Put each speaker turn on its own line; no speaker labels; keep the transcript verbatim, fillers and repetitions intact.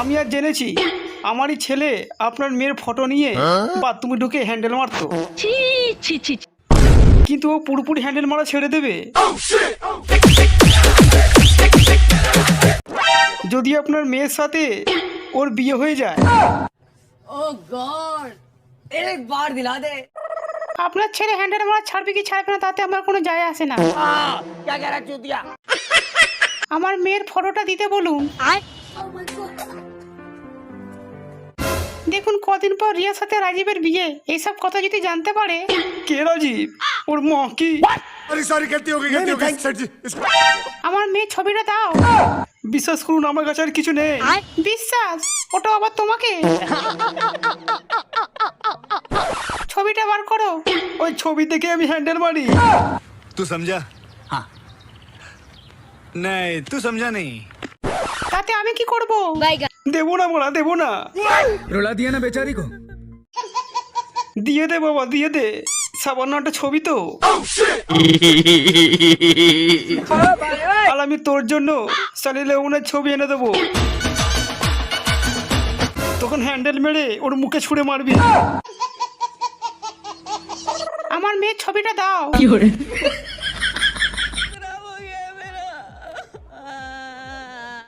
আমি আর জেনেছি আমারই ছেলে আপনার মেয়ের ফটো নিয়ে বাথরুমে ঢুকে হ্যান্ডেল মারতো।
ছি ছি ছি ছি।
কিন্তু ও পুরোপুরি হ্যান্ডেল মারা ছেড়ে দেবে যদি আপনার মেয়ের সাথে ওর বিয়ে হয়ে যায়।
ओह गॉड एक बार दिला दे।
আপনার ছেলে হ্যান্ডেল মারা ছাড়বে কি ছাড়বে না তাতে আমার কোনো যায় আসে না।
हाँ, क्या कह रहा है चूतिया?
আমার মেয়ের ফটোটা দিতে বলুন। দেখুন কদিন পর রিয়ার সাথে রাজীবের বিয়ে, এইসব কথা যদি জানতে পারে। কে রাজীব? ওর মা কি?
अरे सॉरी गलती हो गई गलती हो गई सर जी इसको
আমার মেয়ের ছবিটা দাও। বিশ্বাস করুন আমার কাছে আর কিছু নেই। বিশ্বাস? ওটা আবার তোমাকে? ছবিটা বার করো। ওই ছবি দেখে আমি হ্যান্ডেল মারি।
तू समझा? हाँ नहीं तू समझा नहीं
তাতে আমি কি করব?
বাইগা।
দেবো না বলা দেবো না।
रुला दिया ना बेचारी को।
দিয়ে দে বাবা দিয়ে দে, সামান্য একটা ছবি তো। আর আমি তোর জন্য সানি লিওনের ছবি এনে দেবো, তখন হ্যান্ডেল মেরে ওর মুখে ছুঁড়ে মারবি। আমার মেয়ের ছবিটা দাও।